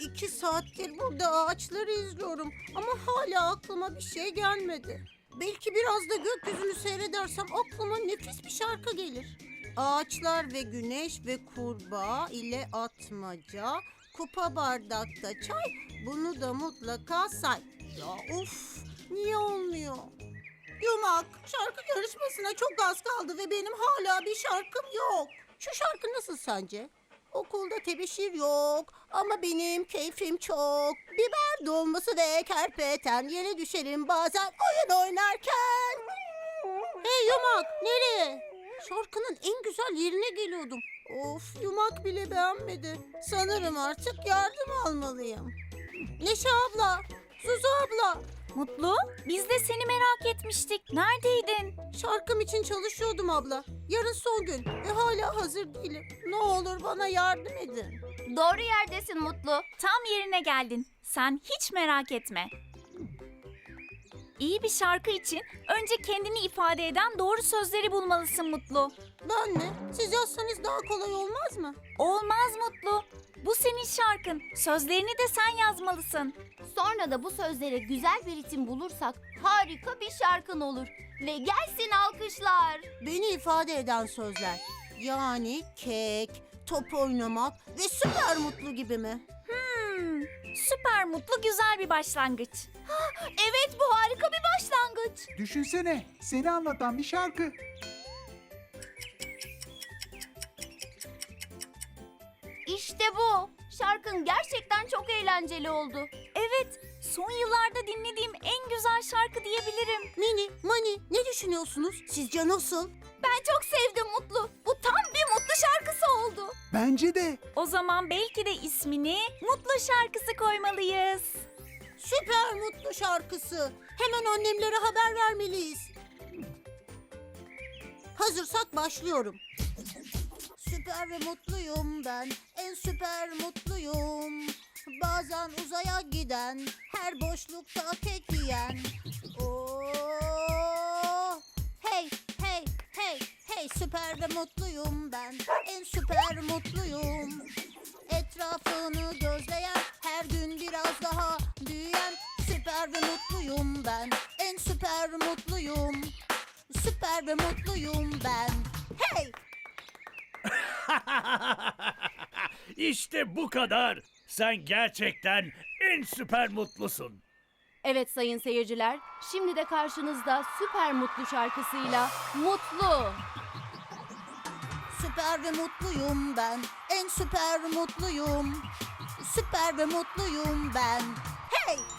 2 saattir burada ağaçları izliyorum ama hala aklıma bir şey gelmedi. Belki biraz da gökyüzünü seyredersem aklıma nefis bir şarkı gelir. Ağaçlar ve güneş ve kurbağa ile atmaca, kupa bardakta çay, bunu da mutlaka say. Ya of, niye olmuyor? Yumak, şarkı yarışmasına çok az kaldı ve benim hala bir şarkım yok. Şu şarkı nasıl sence? Okulda tebeşir yok ama benim keyfim çok. Biber dolması ve kerpeten yere düşerim bazen oyun oynarken. Hey Yumak, nereye? Şarkının en güzel yerine geliyordum. Of, Yumak bile beğenmedi. Sanırım artık yardım almalıyım. Neşe abla, Zuzu abla. Mutlu, biz de seni merak etmiştik. Neredeydin? Şarkım için çalışıyordum abla. Yarın son gün ve hala hazır değilim. Ne olur bana yardım edin. Doğru yerdesin Mutlu. Tam yerine geldin. Sen hiç merak etme. İyi bir şarkı için önce kendini ifade eden doğru sözleri bulmalısın Mutlu. Ben mi? Siz yazsanız daha kolay olmaz mı? Olmaz Mutlu. Bu senin şarkın. Sözlerini de sen yazmalısın. Sonra da bu sözlere güzel bir ritim bulursak harika bir şarkın olur. Ve gelsin alkışlar. Beni ifade eden sözler. Yani kek, top oynamak ve süper mutlu gibi mi? Süper Mutlu güzel bir başlangıç. Evet, bu harika bir başlangıç. Düşünsene, seni anlatan bir şarkı. İşte bu. Şarkın gerçekten çok eğlenceli oldu. Evet, son yıllarda dinlediğim en güzel şarkı diyebilirim. Mini, Mani ne düşünüyorsunuz? Sizce nasıl? Ben çok sevdim Mutlu. Bu tam bir mutlu şarkısı oldu. Bence de. O zaman belki de ismini Mutlu şarkısı koymalıyız. Süper mutlu şarkısı. Hemen annemlere haber vermeliyiz. Hazırsak başlıyorum. Süper ve mutluyum ben, en süper mutluyum. Bazen uzaya giden, her boşlukta kek yiyen. Oo, hey, hey, hey, hey, süper ve mutluyum ben, en süper mutluyum. Etrafını gözleyen, her gün biraz daha büyüyen. Süper ve mutluyum ben, en süper mutluyum. Süper ve mutluyum ben. Hey! İşte bu kadar. Sen gerçekten en süper mutlusun. Evet sayın seyirciler, şimdi de karşınızda süper mutlu şarkısıyla Mutlu. Süper ve mutluyum ben, en süper mutluyum. Süper ve mutluyum ben. Hey!